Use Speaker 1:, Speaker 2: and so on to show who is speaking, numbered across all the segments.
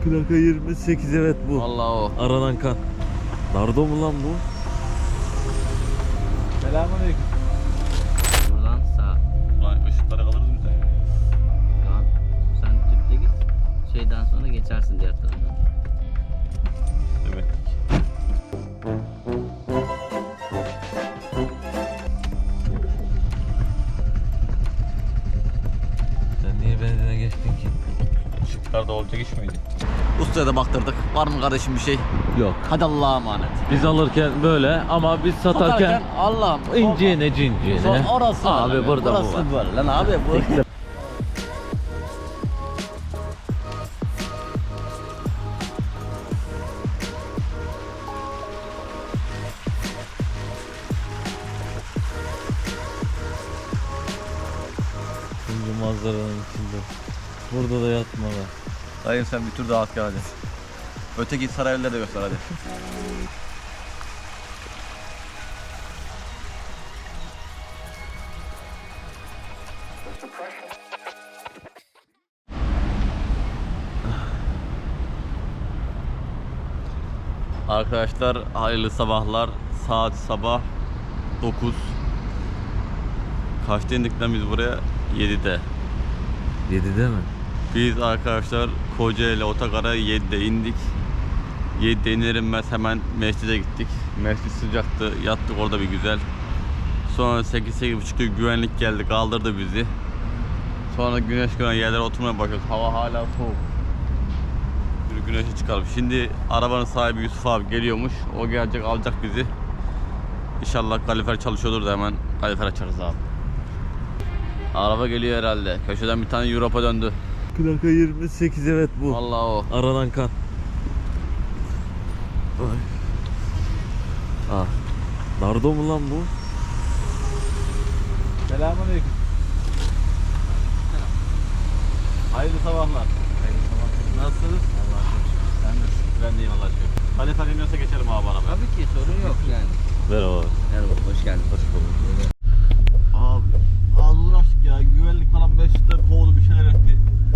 Speaker 1: Plaka 28, evet bu.
Speaker 2: Vallahi o.
Speaker 1: Aranan kan. Nardo mu lan bu?
Speaker 3: Selamünaleyküm.
Speaker 2: Buradan sağ.
Speaker 3: Ulan ışıklara kalırız mı sen?
Speaker 2: Şu an sen tüpte git. Şeyden sonra geçersin diğer tarafa.
Speaker 3: Evet.
Speaker 1: Sen niye benzine geçtin ki?
Speaker 3: Işıklarda olacak iş miydi?
Speaker 2: Ustaya da baktırdık. Var mı kardeşim bir şey?
Speaker 1: Yok.
Speaker 2: Hadi Allah'a emanet.
Speaker 1: Biz alırken böyle ama biz satarken
Speaker 2: Allah'ım.
Speaker 1: inciğine cinciğine.
Speaker 2: Son orası
Speaker 1: Abi
Speaker 2: böyle.
Speaker 1: burada bu
Speaker 2: Burası
Speaker 1: var.
Speaker 2: böyle. Lan abi bu.
Speaker 1: Şimdi manzaranın içinde. Burada da yatma be.
Speaker 3: Dayım sen bir tur daha at gel hadi. Öteki sarayları da göster hadi. Arkadaşlar hayırlı sabahlar. Saat sabah 9. Kaçta indik lan biz buraya? 7'de.
Speaker 1: 7'de mi?
Speaker 3: Biz arkadaşlar Kocaeli Otogar'a 7'de indik. 7'de iner inmez hemen mescide gittik. Mescid sıcaktı. Yattık orada bir güzel. Sonra 8-8.30'da güvenlik geldi, kaldırdı bizi. Sonra güneş gören yerlere oturmaya başladık. Hava hala soğuk. Bir güneşe çıkalım. Şimdi arabanın sahibi Yusuf abi geliyormuş. O gelecek, alacak bizi. İnşallah kalifer çalışıyordur da hemen kalifer açarız abi. Araba geliyor herhalde. Köşeden bir tane Europa döndü.
Speaker 1: Plaka 28, evet bu.
Speaker 2: Vallahi o.
Speaker 1: Aranan kan. Ay. Ah. Nardo mu lan bu?
Speaker 3: Selamünaleyküm. Hayırlı sabahlar. Hayırlı sabahlar. Nasılsınız? Allah'a şükür. Sen de ben deyim Allah'a şükür. Kalifer iniyorsa geçerim abi arabaya.
Speaker 2: Tabii ki sorun yok yani.
Speaker 1: Merhaba.
Speaker 2: Merhaba, hoş geldin. Hoş bulduk.
Speaker 3: Abi az uğraştık ya. Güvenlik falan 5 dakika kovdu, bir şeyler etti.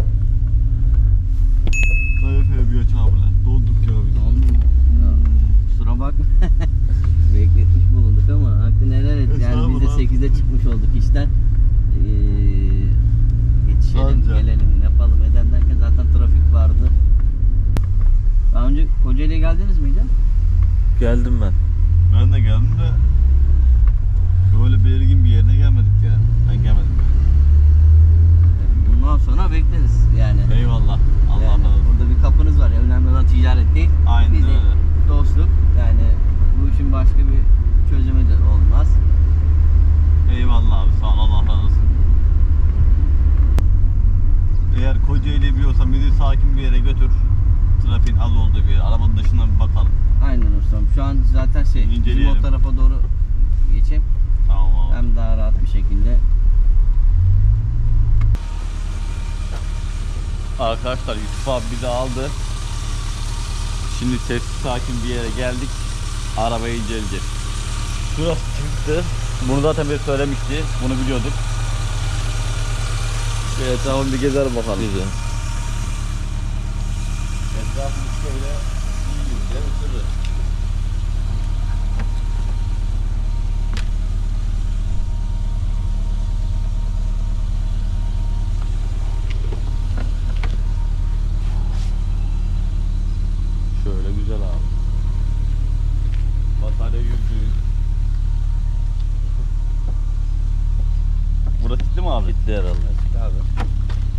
Speaker 3: Kalifer bir aç abi lan. Dolduk ya biz.
Speaker 2: Ya, kusura bakma. Bekletmiş bulunduk ama hakkını helal et. Yani biz de 8'de çıkmış olduk işten. Yetişelim,
Speaker 3: Anca.
Speaker 2: gelelim, yapalım eden derken zaten trafik vardı. Daha önce Kocaeli'ye geldiniz miydi?
Speaker 1: Geldim ben.
Speaker 3: Ben de geldim de böyle belirgin bir yerine gelmedik ya. Ben gelmedim yani.
Speaker 2: Bundan sonra bekleriz yani.
Speaker 3: Eyvallah. Allah
Speaker 2: Yani
Speaker 3: razı olsun.
Speaker 2: burada bir kapınız var ya, önemli olan ticaret değil.
Speaker 3: Aynen
Speaker 2: Bizim
Speaker 3: öyle.
Speaker 2: dostluk, yani bu işin başka bir çözümü de olmaz.
Speaker 3: Eyvallah abi, sağ ol, Allah razı olsun. Eğer Kocaeli'yi biliyorsan bizi sakin bir yere götür. Trafiğin az olduğu bir yer. Arabanın dışından bir bakalım.
Speaker 2: Aynen ustam. Şu an zaten bizim
Speaker 3: İnceleyelim.
Speaker 2: o tarafa doğru geçeyim.
Speaker 3: Tamam abi.
Speaker 2: Hem daha rahat bir şekilde.
Speaker 3: Arkadaşlar Yusuf abi bizi aldı. Şimdi sessiz sakin bir yere geldik. Arabayı inceleyeceğiz. Şurası çıktı. Bunu zaten bir söylemişti. Bunu biliyorduk. Evet, tamam, bir gezer bakalım.
Speaker 1: Güzel.
Speaker 3: Etrafımız şöyle iyice ısırır. Şöyle güzel abi. Batarya yüzüğü. Burası gitti mi abi?
Speaker 1: Gitti herhalde.
Speaker 2: Abi.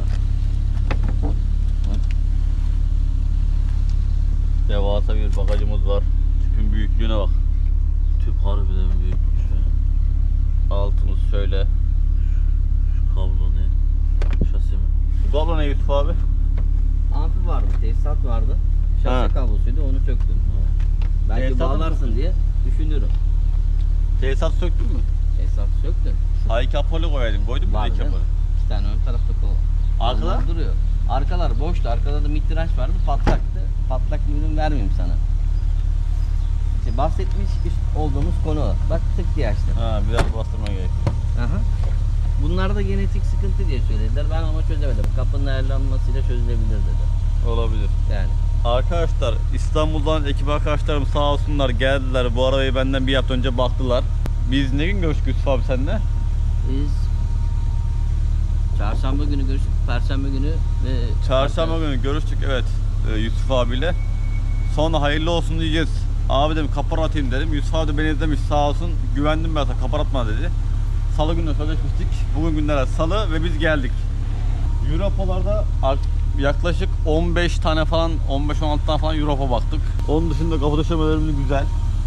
Speaker 3: Devasa bir bagajımız var. Tüpün büyüklüğüne bak.
Speaker 1: Tüp harbiden büyükmüş ya.
Speaker 3: Altımız şöyle.
Speaker 1: Şu kablo ne? Şasi mi?
Speaker 3: Bu kablo ne Yusuf abi?
Speaker 2: Amfi vardı, tesisat vardı.
Speaker 3: Ha.
Speaker 2: Şase kablosuydu, onu söktüm. Belki
Speaker 3: Tesisatı mı
Speaker 2: bağlarsın
Speaker 3: söktün?
Speaker 2: diye düşünüyorum.
Speaker 3: Tesisat söktün mü?
Speaker 2: Tesisatı söktüm.
Speaker 3: Ay kapalı koyaydım. Koydun mu
Speaker 2: Var
Speaker 3: bir
Speaker 2: değil mi?
Speaker 3: kapalı?
Speaker 2: 2 tane ön tarafta kol.
Speaker 3: Arkalar?
Speaker 2: Onlar duruyor. Arkalar boştu. Arkada da mitrenç vardı. Patlaktı. Patlak bir ürün vermeyeyim sana. İşte bahsetmiş olduğumuz konu o. Bak tık diye açtı.
Speaker 3: Ha, biraz bastırma gerekiyor.
Speaker 2: Aha. Bunlar da genetik sıkıntı diye söylediler. Ben ama çözemedim. Kapının ayarlanmasıyla çözülebilir dedi.
Speaker 3: Olabilir.
Speaker 2: Yani.
Speaker 3: Arkadaşlar İstanbul'dan ekip arkadaşlarım sağ olsunlar geldiler. Bu arabayı benden bir hafta önce baktılar. Biz ne gün görüştük Yusuf abi seninle?
Speaker 2: Biz çarşamba günü görüştük, perşembe günü ve
Speaker 3: Çarşamba günü görüştük evet Yusuf abiyle. Sonra hayırlı olsun diyeceğiz. Abi dedim kapar atayım dedim. Yusuf abi de beni izlemiş sağ olsun. Güvendim ben sana kapar atma dedi. Salı günü sözleşmiştik. Bugün günler salı ve biz geldik. Europalarda yaklaşık 15 tane falan 15-16 tane falan Europa baktık. Onun dışında kapı döşemelerimiz güzel.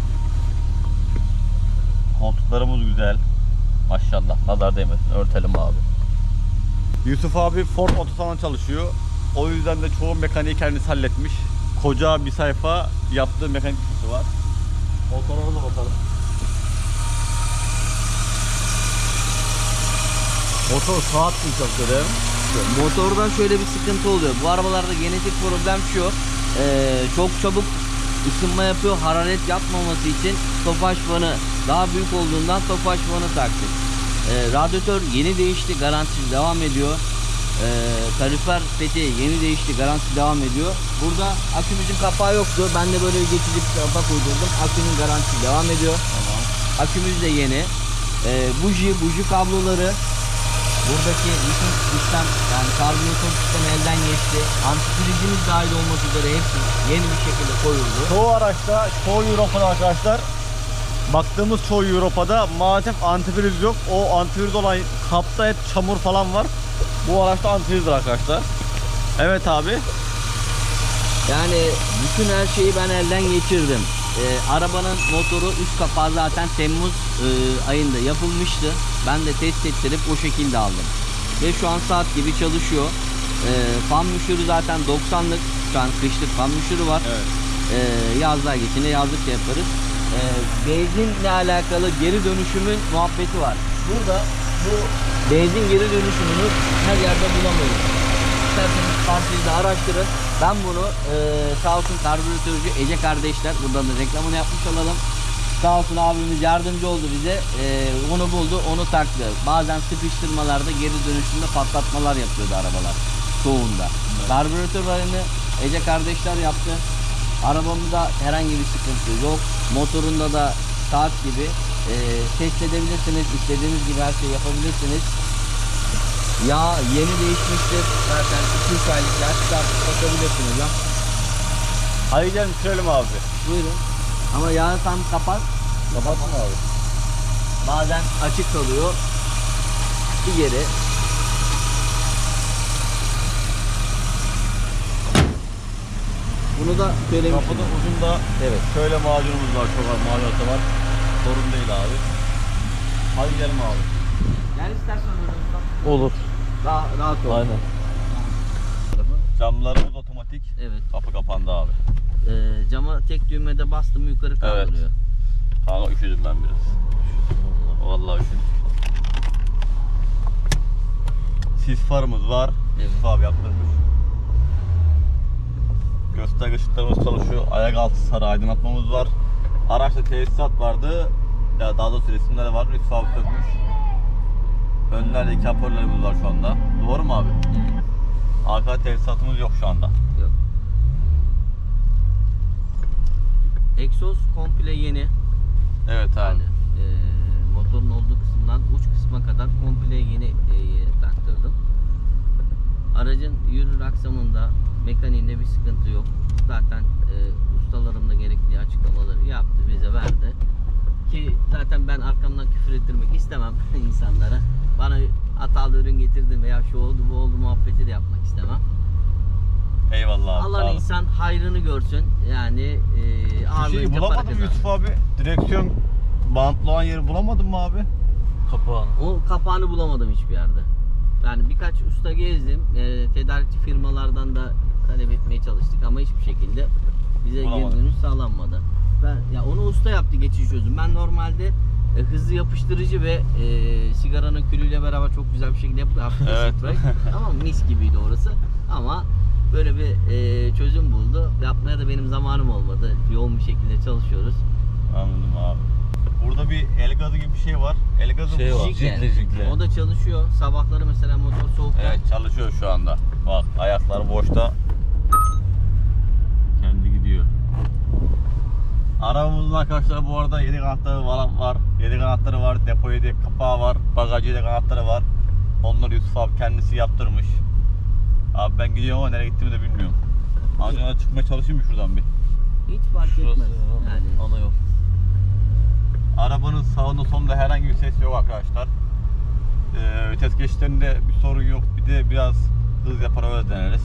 Speaker 3: Koltuklarımız güzel. Maşallah nazar değmesin örtelim abi. Yusuf abi Ford Otosan'da çalışıyor. O yüzden de çoğu mekaniği kendisi halletmiş. Koca bir sayfa yaptığı mekanik kısmı var. Motoruna da bakalım. Motor saat mi çalışıyor değil mi?
Speaker 2: motordan şöyle bir sıkıntı oluyor. Bu arabalarda genetik problem şu. Çok çabuk ısınma yapıyor. Hararet yapmaması için tofaş fanı daha büyük olduğundan tofaş fanı taktık. Radyatör yeni değişti. Garantisi devam ediyor. Kalifer seti yeni değişti. Garantisi devam ediyor. Burada akümüzün kapağı yoktu. Ben de böyle geçici bir kapak uydurdum. Akünün garantisi devam ediyor.
Speaker 3: Tamam.
Speaker 2: Akümüz de yeni. Buji kabloları. Buradaki bütün sistem yani karbüratör sistemi elden geçti. Antifrizimiz dahil olmak üzere hepsi yeni bir şekilde koyuldu.
Speaker 3: Çoğu araçta, çoğu Europa'da arkadaşlar baktığımız çoğu Europa'da maalesef antifriz yok. O antifriz olan kapta hep çamur falan var. Bu araçta antifrizdir arkadaşlar. Evet abi.
Speaker 2: Yani bütün her şeyi ben elden geçirdim. Arabanın motoru üst kapağı zaten Temmuz ayında yapılmıştı. Ben de test ettirip o şekilde aldım. Ve şu an saat gibi çalışıyor. Fan müşürü zaten 90'lık. Şu an kışlık fan müşürü var.
Speaker 3: Evet.
Speaker 2: Yazlığa geçince yazlık da yaparız. Benzinle alakalı geri dönüşümün muhabbeti var. Burada bu benzin geri dönüşümünü her yerde bulamıyoruz. İsterseniz partide araştırın. Ben bunu sağ olsun karbüratörcü Ece kardeşler, buradan da reklamını yapmış olalım. Sağ olsun abimiz yardımcı oldu bize. Onu buldu, onu taktı. Bazen sıkıştırmalarda geri dönüşümde patlatmalar yapıyordu arabalar. Çoğunda. Evet. Karbüratör rayını Ece kardeşler yaptı. Arabamda herhangi bir sıkıntı yok. Motorunda da saat gibi test edebilirsiniz. İstediğiniz gibi her şeyi yapabilirsiniz. Yağ yeni değişmiştir. Zaten 2-3 aylık yağ çıkartıp bakabilirsiniz ya.
Speaker 3: Haydi gelin bitirelim abi.
Speaker 2: Buyurun. Ama yağı tam kapat.
Speaker 3: Kapatsın abi.
Speaker 2: Bazen açık kalıyor. Bir geri. Bunu da söylemiştim.
Speaker 3: Kapının ucunda
Speaker 2: Evet.
Speaker 3: şöyle macunumuz var. Çok az macunası var. Sorun değil abi. Hadi gidelim abi.
Speaker 2: Gel istersen öyle.
Speaker 1: Olur.
Speaker 2: Daha rahat ol.
Speaker 1: Aynen.
Speaker 3: Camlarımız otomatik.
Speaker 2: Evet.
Speaker 3: Kapı kapandı abi.
Speaker 2: Cama tek düğmede bastım yukarı kaldırıyor.
Speaker 3: Kanka üşüdüm ben biraz. Vallahi üşüdüm. Sis farımız var.
Speaker 2: Evet.
Speaker 3: Yusuf abi yaptırmış. Gösterge ışıklarımız çalışıyor. Ayak altı sarı aydınlatmamız var. Araçta tesisat vardı. Ya daha doğrusu resimleri var. Yusuf abi sökmüş. Önlerde iki hoparlörlerimiz var şu anda. Doğru mu abi?
Speaker 2: Evet.
Speaker 3: Arka tesisatımız yok şu anda.
Speaker 2: Yok. Egzoz komple yeni.
Speaker 3: Evet abi.
Speaker 2: Yani motorun olduğu kısımdan uç kısma kadar komple yeni taktırdım. Aracın yürür aksamında, mekaniğinde bir sıkıntı yok. Zaten ustalarım da gerekli açıklamaları yaptı, bize verdi. Ki zaten ben arkamdan küfür ettirmek istemem insanlara. Bana hatalı ürün getirdim veya şu oldu bu oldu muhabbeti de yapmak istemem.
Speaker 3: Eyvallah abi.
Speaker 2: Allah insan hayrını görsün. Yani
Speaker 3: Bir
Speaker 2: ağırlığınca
Speaker 3: şey
Speaker 2: para
Speaker 3: bulamadım
Speaker 2: kazanır.
Speaker 3: Yusuf abi. Direksiyon bantlı olan yeri bulamadın mı abi?
Speaker 1: Kapağını.
Speaker 2: O kapağını bulamadım hiçbir yerde. Yani birkaç usta gezdim. Tedarikçi firmalardan da talep etmeye çalıştık ama hiçbir şekilde bize geri
Speaker 3: Bulamadım.
Speaker 2: dönüş sağlanmadı. Ya onu usta yaptı geçici çözüm. Ben normalde hızlı yapıştırıcı ve sigaranın külüyle beraber çok güzel bir şekilde yaptı. Hafif
Speaker 3: Evet.
Speaker 2: spray. Tamam, mis gibiydi orası. Ama böyle bir çözüm buldu. Yapmaya da benim zamanım olmadı. Yoğun bir şekilde çalışıyoruz.
Speaker 3: Anladım abi. Burada bir el gazı gibi bir şey var. El gazı
Speaker 1: Şey
Speaker 3: mı?
Speaker 1: var. Jikle.
Speaker 2: O da çalışıyor. Sabahları mesela motor soğukta.
Speaker 3: Evet çalışıyor şu anda. Bak ayaklar boşta. Kendi Arabamızın arkadaşlar bu arada 7 kanatları falan var. 7 kanatları var, depo 7 kapağı var, bagajı 7 kanatları var. Onları Yusuf abi kendisi yaptırmış. Abi ben gidiyorum ama nereye gittiğimi de bilmiyorum. Ancak çıkmaya çalışayım mı şuradan bir?
Speaker 2: Hiç fark
Speaker 1: Şurası
Speaker 2: etmez. Yani
Speaker 1: ana yol.
Speaker 3: Arabanın sağında solunda herhangi bir ses yok arkadaşlar. Vites geçişlerinde bir sorun yok. Bir de biraz hız yapar öyle deneriz.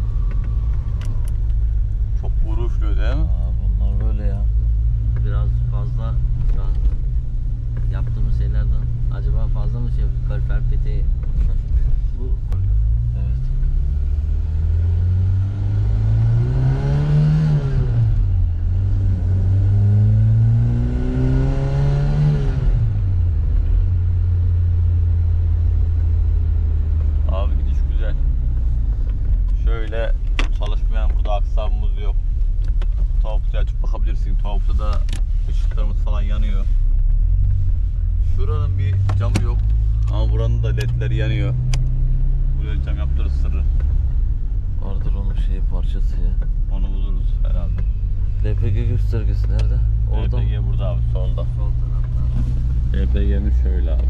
Speaker 3: Çok vuruşluyor değil mi?
Speaker 1: Aa, bunlar böyle ya.
Speaker 2: biraz fazla şu an yaptığımız şeylerden acaba fazla mı şey yapıyoruz? Kalorifer peteği bu
Speaker 1: Evet.
Speaker 3: Abi gidiş güzel. Şöyle çalışmayan burada aksamımız yok. Tavukta açıp bakabilirsin. Tavukta da ışıklarımız falan yanıyor. Şuranın bir camı yok. Ama buranın da ledleri yanıyor. Buraya cam yaptırırız sırrı.
Speaker 1: Vardır onun şeyi parçası ya.
Speaker 3: Onu buluruz herhalde.
Speaker 1: LPG göstergesi nerede? Orada mı?
Speaker 3: LPG burada abi solda.
Speaker 2: sol tarafta.
Speaker 3: LPG'miz şöyle abi.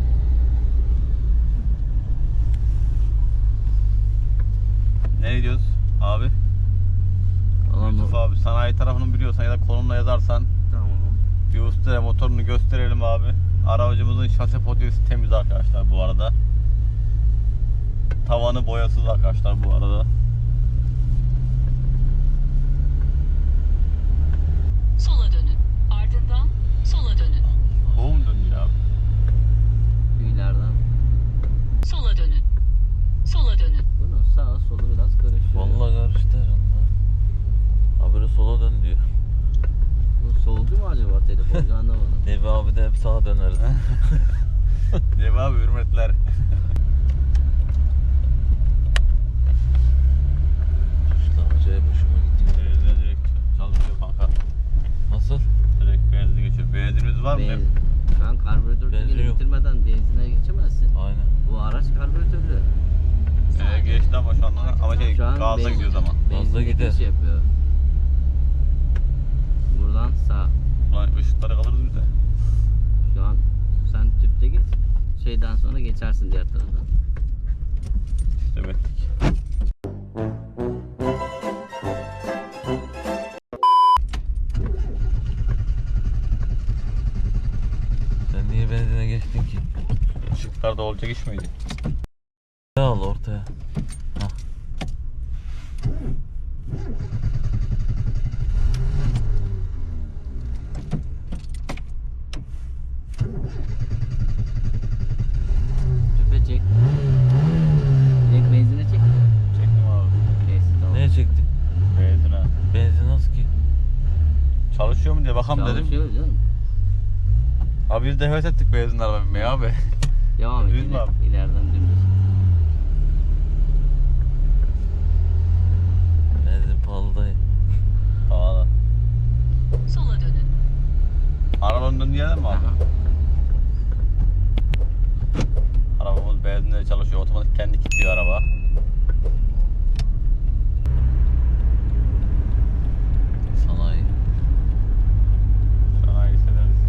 Speaker 3: Ne diyoruz abi? Yusuf abi sanayi tarafını biliyorsan ya da konumla yazarsan
Speaker 2: Tamam.
Speaker 3: bir ustaya motorunu gösterelim abi. Aracımızın şase podyası temiz arkadaşlar bu arada. Tavanı boyasız arkadaşlar bu arada.
Speaker 4: Sola dönün. Ardından sola dönün.
Speaker 3: Kovum dönüyor abi.
Speaker 2: Üylerden.
Speaker 4: Sola dönün. Sola dönün.
Speaker 2: Bunun sağa solu biraz karışıyor.
Speaker 1: Vallahi karıştı herhalde. Habire sola dön diyor.
Speaker 2: Bu solcu mu acaba telefoncu anlamadım.
Speaker 1: Nebi abi de hep sağa döneriz.
Speaker 3: Değil mi abi hürmetler.
Speaker 1: Tuşlar acayip hoşuma gitti.
Speaker 3: Benzine direkt çalışıyor kanka.
Speaker 1: Nasıl?
Speaker 3: Direkt benzin geçiyor. Benzinimiz var mı?
Speaker 2: Şu an karbüratörü
Speaker 1: Benzin yok.
Speaker 2: bitirmeden benzine geçemezsin.
Speaker 1: Aynen.
Speaker 2: Bu araç karbüratörlü.
Speaker 3: Geçti ama şu anda ama şey
Speaker 2: Şu an
Speaker 3: gazla gidiyoruz ama.
Speaker 1: Gazla
Speaker 2: benzin
Speaker 1: gider.
Speaker 2: geçiş yapıyor. Buradan sağ.
Speaker 3: Ulan ışıklara kalırız biz de.
Speaker 2: Şu an sen tüpte git. Şeyden sonra geçersin diğer taraftan.
Speaker 3: İşte bekledik.
Speaker 1: Sen niye benzine geçtin ki?
Speaker 3: Işıklarda olacak iş miydi?
Speaker 1: Ne al ortaya? Hah.
Speaker 2: Tüpe çek. Direkt benzine çek.
Speaker 3: Çektim abi.
Speaker 2: Neyse tamam.
Speaker 1: Neye çektin?
Speaker 3: Benzine.
Speaker 1: Benzin az ki.
Speaker 3: Çalışıyor mu diye bakalım dedim.
Speaker 2: Çalışıyor canım.
Speaker 3: Abi biz de heves ettik benzin araba binmeye abi.
Speaker 2: Devam et.
Speaker 3: Düz mü abi?
Speaker 2: İleriden dümdüz.
Speaker 1: Benzin pahalı dayı.
Speaker 3: Pahalı.
Speaker 4: Sola dönün.
Speaker 3: Arabanın döndüğü yerden mi abi?
Speaker 2: Aha.
Speaker 3: Arabamız benzinle çalışıyor. Otomatik kendi kilitliyor araba.
Speaker 1: Sanayi.
Speaker 3: Sanayi severiz.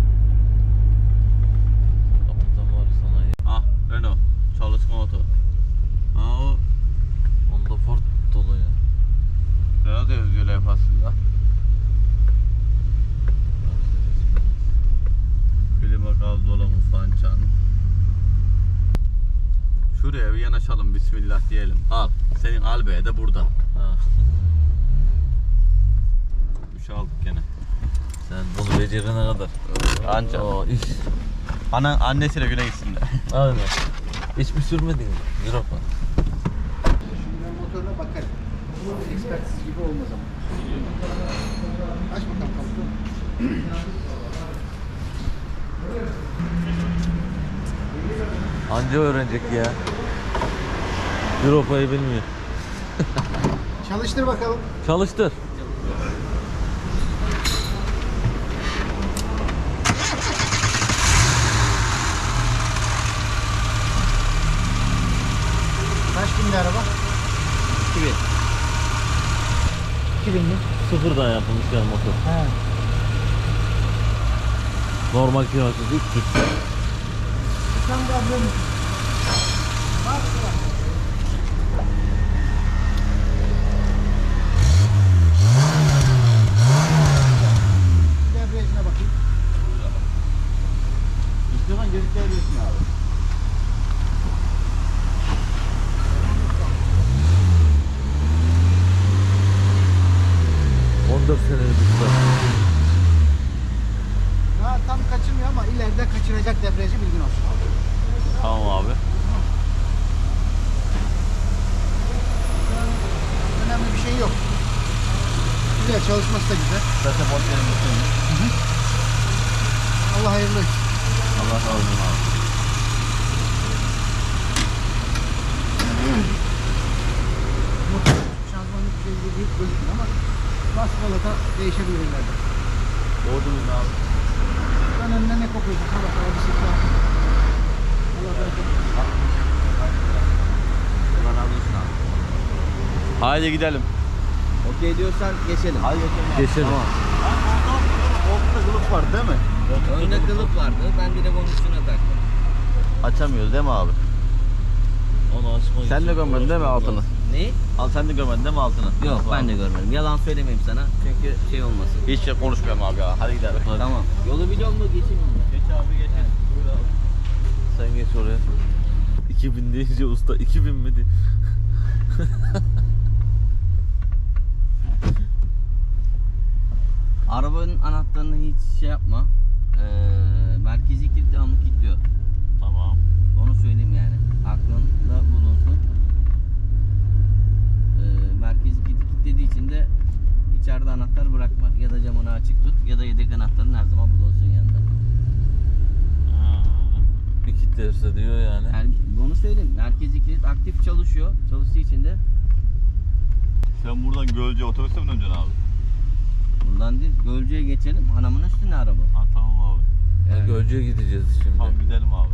Speaker 1: Kapıdan var sanayi.
Speaker 3: Ah Renault. Çalışma oto. Ha o
Speaker 1: Onda Ford dolu ya.
Speaker 3: Renault da yazıyor levhasında. Klima, gaz dolabı, fançan. Şuraya bir yanaşalım, bismillah diyelim. Al, senin albeye de burada.
Speaker 1: Ha.
Speaker 3: Bir şey aldık gene.
Speaker 1: Sen bunu becerene kadar.
Speaker 3: Anca.
Speaker 1: Oo iş.
Speaker 3: Annesiyle güne gitsin de.
Speaker 1: Aynen. Hiç mi sürmedin mi? Europa.
Speaker 5: Şimdi ben motoruna bakarım. Ekspertiz gibi olmaz ama. Aç bakalım kapıyı.
Speaker 1: Anca öğrenecek ya. Europa'yı bilmiyor.
Speaker 5: Çalıştır bakalım.
Speaker 1: Çalıştır.
Speaker 5: Kaç bindi araba?
Speaker 2: 2000.
Speaker 5: 2000 mi?
Speaker 1: Sıfırdan yapılmış yani motor.
Speaker 5: He.
Speaker 1: Normal kilometresi 300.
Speaker 5: Sen de ablam. Bak bak. Debriyajına bakayım.
Speaker 3: İstiyorsan gözükleyebilirsin abi.
Speaker 5: Daha tam kaçırmıyor ama ileride kaçıracak debriyajı, bilgin olsun.
Speaker 3: Tamam abi.
Speaker 5: Önemli bir şey yok. Güzel, çalışması da güzel.
Speaker 3: Zaten
Speaker 5: Allah hayırlı olsun.
Speaker 3: Allah razı olsun abi.
Speaker 5: Motor şanzımanlık bir şey büyük gözükmüyor ama basmalata değişebilir ileride.
Speaker 3: Doğru mu abi?
Speaker 5: Ben önüne ne kokuyorsun? Allah sana bir sıkla. Allah bereket.
Speaker 2: Allah razı olsun abi.
Speaker 3: Haydi gidelim.
Speaker 2: Okey diyorsan geçelim.
Speaker 3: Hadi geçelim.
Speaker 1: Geçelim.
Speaker 3: Ortada kılıf var değil mi?
Speaker 2: Önde kılıf vardı. Ben direkt onun üstüne taktım.
Speaker 3: Açamıyoruz değil mi abi?
Speaker 1: Onu açmak
Speaker 3: Sen
Speaker 1: için
Speaker 3: de görmedin değil mi altını?
Speaker 2: Ne?
Speaker 3: Al sen de görmedin değil mi altını?
Speaker 2: Yok ben de görmedim. Yalan söylemeyeyim sana. Çünkü şey olmasın.
Speaker 3: Hiç şey konuşmuyorum abi ya. Hadi gidelim.
Speaker 1: Hadi.
Speaker 2: Tamam. Yolu biliyor musun? Geçeyim mi?
Speaker 3: Geç abi geç. Buyur abi.
Speaker 1: Sen geç oraya. 2000 deyince usta 2000 mi diye.
Speaker 2: Arabanın anahtarını hiç şey yapma. Merkezi kilit devamlı kilitliyor.
Speaker 3: Tamam.
Speaker 2: Onu söyleyeyim yani. Aklında bulunsun. Merkezi kilit kilitlediği için de içeride anahtar bırakma. Ya da camını açık tut ya da yedek anahtarın her zaman bulunsun yanında.
Speaker 1: Bir kilitlerse diyor yani.
Speaker 2: Yani onu söyleyeyim. Merkezi kilit aktif çalışıyor. Çalıştığı için de
Speaker 3: Sen buradan Gölce otobüste mi döneceksin abi?
Speaker 2: buradan değil. Gölcük'e geçelim. Hanımın üstüne araba.
Speaker 3: Ha tamam abi.
Speaker 1: Yani Gölcük'e gideceğiz şimdi.
Speaker 3: Tamam gidelim abi.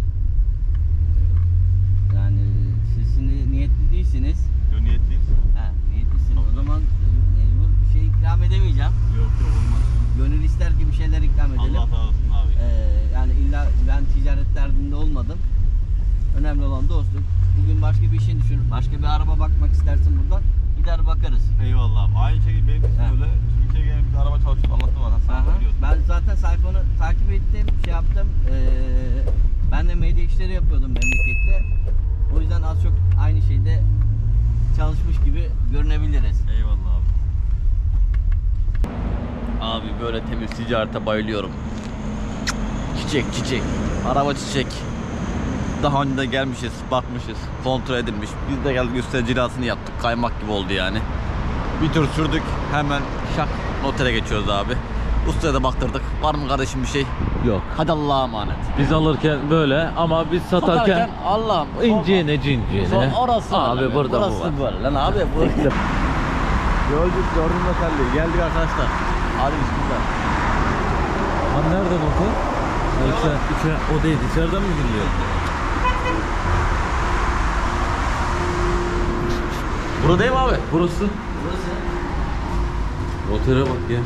Speaker 2: Yani siz şimdi niyetli değilsiniz.
Speaker 3: Niyetliyiz.
Speaker 2: Ha, niyetlisiniz. O zaman mecbur bir şey ikram edemeyeceğim.
Speaker 3: Yok olmaz.
Speaker 2: Gönül ister ki bir şeyler ikram edelim.
Speaker 3: Allah razı olsun abi.
Speaker 2: Yani illa ben ticaret derdinde olmadım. Önemli olan dostluk. Bugün başka bir işin düşün. Başka bir araba bakmak istersin buradan. Gider bakarız.
Speaker 3: Eyvallah abi. Aynı şekilde benim için
Speaker 2: Ha.
Speaker 3: öyle. Türkiye'ye gelip bir araba çalışıp anlattım bana. Sen
Speaker 2: Aha.
Speaker 3: biliyorsun.
Speaker 2: Ben zaten sayfanı takip ettim, şey yaptım. Ben de medya işleri yapıyordum memlekette. O yüzden az çok aynı şeyde çalışmış gibi görünebiliriz.
Speaker 3: Eyvallah abi. Abi böyle temiz ticarete bayılıyorum. Çiçek çiçek. Araba çiçek. Daha önce de gelmişiz, bakmışız, kontrol edilmiş. Biz de geldik üstüne cilasını yaptık. Kaymak gibi oldu yani. Bir tur sürdük. Hemen şak notere geçiyoruz abi. Ustaya da baktırdık. Var mı kardeşim bir şey?
Speaker 1: Yok.
Speaker 3: Hadi Allah'a emanet.
Speaker 1: Biz alırken böyle ama biz satarken
Speaker 3: Allah'ım.
Speaker 1: inciğine cinciğine.
Speaker 3: Son orası
Speaker 1: Abi
Speaker 3: böyle.
Speaker 1: burada
Speaker 3: Burası
Speaker 1: bu var.
Speaker 3: böyle lan abi. Gördük gördüm noterliği. Geldik arkadaşlar. Hadi bismillah.
Speaker 1: Lan nereden oku? O değil, içeriden mi giriliyor?
Speaker 3: Burada değil mi abi?
Speaker 1: Burası.
Speaker 2: Burası.
Speaker 1: Notere bak ya.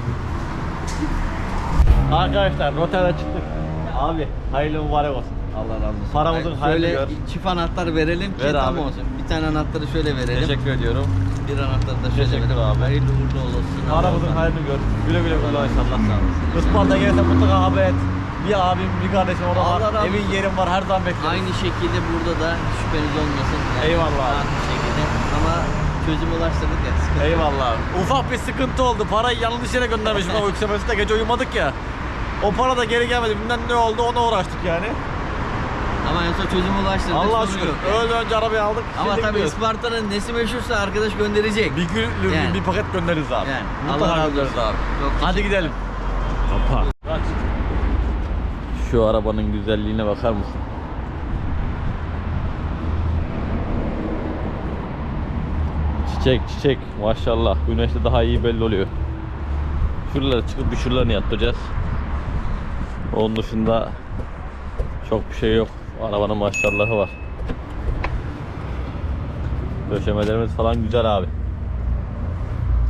Speaker 3: Arkadaşlar notere çıktık. Abi hayırlı mübarek olsun.
Speaker 2: Allah razı olsun.
Speaker 3: Paramızın hayrını
Speaker 2: şöyle
Speaker 3: gör.
Speaker 2: çift anahtar verelim ki
Speaker 3: Ver
Speaker 2: tam
Speaker 3: abi.
Speaker 2: olsun. Bir tane anahtarı şöyle verelim.
Speaker 3: Teşekkür ediyorum.
Speaker 2: Bir anahtarı da şöyle
Speaker 3: Teşekkür
Speaker 2: verelim.
Speaker 3: abi.
Speaker 2: Hayırlı uğurlu olsun.
Speaker 3: Paramızın
Speaker 2: Allah'tan.
Speaker 3: hayrını gör. Güle güle kullan inşallah.
Speaker 2: Sağ olasın.
Speaker 3: Isparta gelirse mutlaka haber et. Bir abim, bir kardeşim orada
Speaker 2: Allah
Speaker 3: var.
Speaker 2: razı
Speaker 3: Evin
Speaker 2: olsun.
Speaker 3: yerim var. Her zaman bekliyorum.
Speaker 2: Aynı şekilde burada da hiç şüpheniz olmasın.
Speaker 3: Eyvallah abi.
Speaker 2: Aynı şekilde ama çözüm ulaştırdık ya. Sıkıntı yok.
Speaker 3: Eyvallah. Ufak bir sıkıntı oldu. Parayı yanlış yere göndermişim o yükselmesinde. Gece uyumadık ya. O para da geri gelmedi. Bilmem ne oldu ona uğraştık yani.
Speaker 2: Ama en son çözüm ulaştırdık.
Speaker 3: Allah'a
Speaker 2: sorun
Speaker 3: şükür.
Speaker 2: yok.
Speaker 3: Öğleden önce arabayı aldık.
Speaker 2: Ama
Speaker 3: Şimdi
Speaker 2: tabii
Speaker 3: gidiyoruz.
Speaker 2: Isparta'nın nesi meşhursa arkadaş gönderecek.
Speaker 3: Bir gün
Speaker 2: Yani.
Speaker 3: bir paket göndeririz abi.
Speaker 2: Yani.
Speaker 3: Mutlaka
Speaker 2: Allah razı
Speaker 3: göndeririz
Speaker 2: olsun.
Speaker 3: abi.
Speaker 2: Çok
Speaker 3: Hadi gidelim.
Speaker 1: Kapa.
Speaker 3: Şu arabanın güzelliğine bakar mısın? Çiçek çiçek maşallah. Güneşte daha iyi belli oluyor. Şuralara çıkıp bir şuralarını yaptıracağız. Onun dışında çok bir şey yok. Arabanın maşallahı var. Döşemelerimiz falan güzel abi.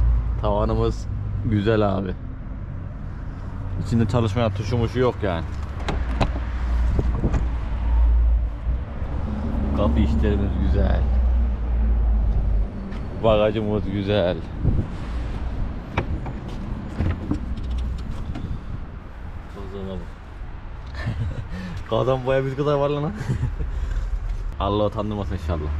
Speaker 3: Tavanımız güzel abi. İçinde çalışmayan tuşu muşu yok yani.
Speaker 1: Kapı işlerimiz güzel. Bagajımız güzel. Kozana bak. Kazan boya bir kadar var lan. Allah utandırmasın inşallah.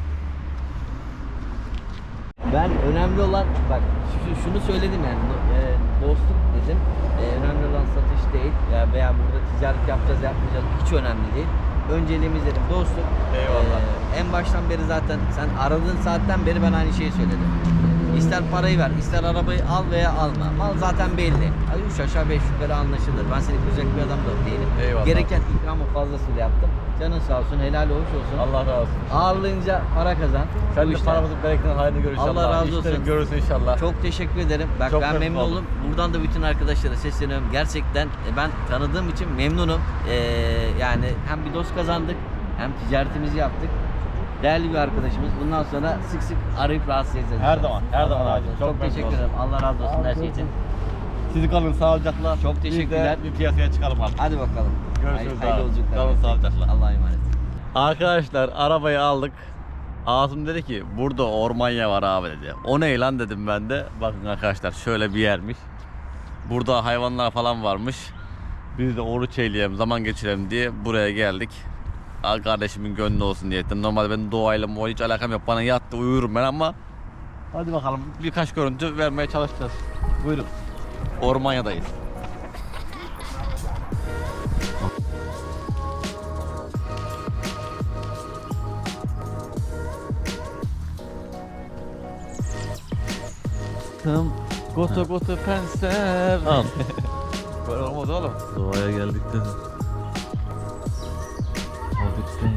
Speaker 2: Ben önemli olan bak şunu söyledim yani dostluk dedim. Önemli olan satış değil veya burada ticaret yapacağız yapmayacağız hiç önemli değil. Önceliğimiz dedim dostluk.
Speaker 3: Eyvallah.
Speaker 2: En baştan beri zaten sen aradığın saatten beri ben aynı şeyi söyledim. İster parayı ver, ister arabayı al veya alma. Mal zaten belli. Hadi 3 aşağı 5 yukarı anlaşılır. Ben seni kıracak bir adam da değilim.
Speaker 3: Eyvallah.
Speaker 2: Gereken ikramı fazlasıyla yaptım. Canın sağ olsun, helal hoş olsun.
Speaker 3: Allah razı olsun.
Speaker 2: Ağırlayınca para kazan.
Speaker 3: Sen
Speaker 2: Bu
Speaker 3: de
Speaker 2: işler.
Speaker 3: paramızın bereketini hayrını gör inşallah.
Speaker 2: Allah razı olsun.
Speaker 3: İşlerin görürsün inşallah.
Speaker 2: Çok teşekkür ederim. Bak
Speaker 3: Çok
Speaker 2: ben
Speaker 3: memnun
Speaker 2: memnun
Speaker 3: oldum.
Speaker 2: oldum. Buradan da bütün arkadaşlara sesleniyorum. Gerçekten ben tanıdığım için memnunum. Yani hem bir dost kazandık hem ticaretimizi yaptık. Değerli bir arkadaşımız. Bundan sonra sık sık arayıp rahatsız edeceğiz.
Speaker 3: Her zaman, her
Speaker 2: Allah
Speaker 3: zaman
Speaker 2: razı
Speaker 3: abi.
Speaker 2: olsun.
Speaker 3: Çok
Speaker 2: Çok
Speaker 3: memnun
Speaker 2: teşekkür
Speaker 3: oldum.
Speaker 2: ederim. Allah razı olsun her şey için.
Speaker 3: Sizi kalın sağlıcakla.
Speaker 2: Çok teşekkürler.
Speaker 3: Biz de bir piyasaya çıkalım artık.
Speaker 2: Hadi bakalım.
Speaker 3: Görüşürüz
Speaker 2: Hayırlı
Speaker 3: abi.
Speaker 2: yolculuklar.
Speaker 3: Kalın sağlıcakla.
Speaker 2: Allah'a emanet.
Speaker 3: Arkadaşlar arabayı aldık. Asım dedi ki burada ormanya var abi dedi. O ne lan dedim ben de. Bakın arkadaşlar şöyle bir yermiş. Burada hayvanlar falan varmış. Biz de oruç eyleyelim, zaman geçirelim diye buraya geldik. Kardeşimin gönlü olsun diye ettim. Normalde benim doğayla hiç alakam yok. Bana yattı uyurum ben ama hadi bakalım birkaç görüntü vermeye çalışacağız. Buyurun. Ormanya'dayız. Goto goto penser.
Speaker 1: Al.
Speaker 3: Böyle olmaz oğlum.
Speaker 1: Doğaya geldik de. Hafiften.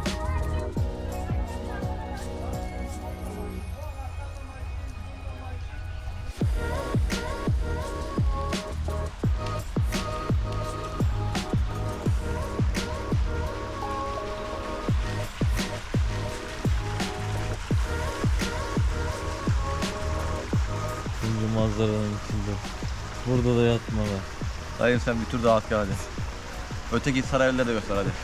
Speaker 1: Şimdi manzaranın içinde. Burada da yatmalar.
Speaker 3: Dayım sen bir tur daha at gel hadi. Öteki sarayları da göster hadi.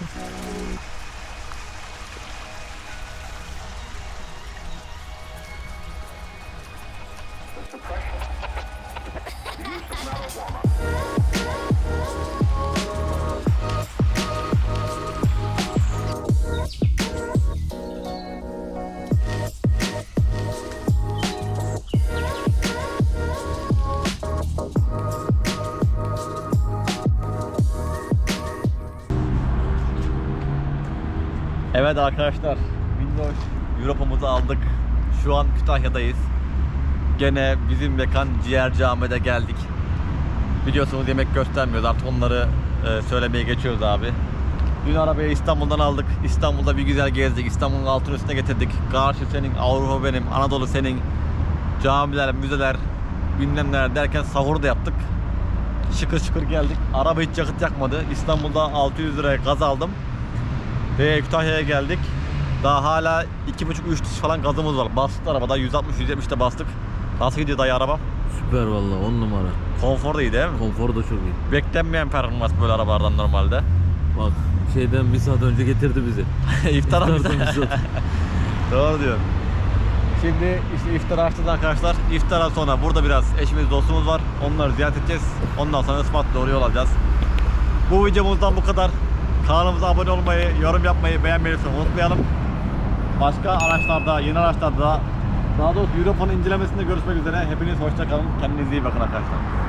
Speaker 3: Evet arkadaşlar, Minnoş Europa'mızı aldık. Şu an Kütahya'dayız. Gene bizim mekan Ciğerci Ahmet'e geldik. Biliyorsunuz yemek göstermiyoruz, artık onları söylemeye geçiyoruz abi. Dün arabayı İstanbul'dan aldık. İstanbul'da bir güzel gezdik. İstanbul'un altın üstüne getirdik. Karşı senin, Avrupa benim, Anadolu senin. Camiler, müzeler, bilmem neler derken sahur da yaptık. Şıkır şıkır geldik. Araba hiç yakıt yakmadı. İstanbul'da 600 liraya gaz aldım. Ve Kütahya'ya geldik. Daha hala 2,5-3 diş falan gazımız var. Bastık arabada 160-170'de bastık. Nasıl gidiyor dayı araba?
Speaker 1: Süper valla 10 numara.
Speaker 3: Konfor da iyi değil mi?
Speaker 1: Konfor da çok iyi.
Speaker 3: Beklenmeyen performans böyle arabalardan normalde.
Speaker 1: Bak şeyden bir saat önce getirdi bizi.
Speaker 3: İftara mı?
Speaker 1: İftardan bir saat.
Speaker 3: Doğru diyor. Şimdi işte iftar açtık arkadaşlar. İftara sonra burada biraz eşimiz dostumuz var. Onları ziyaret edeceğiz. Ondan sonra Isparta doğru yol alacağız. Bu videomuzdan bu kadar. Kanalımıza abone olmayı, yorum yapmayı, beğenmeyi unutmayalım. Başka araçlarda, yeni araçlarda daha doğrusu Europa'nın incelemesinde görüşmek üzere. Hepiniz hoşça kalın. Kendinize iyi bakın arkadaşlar.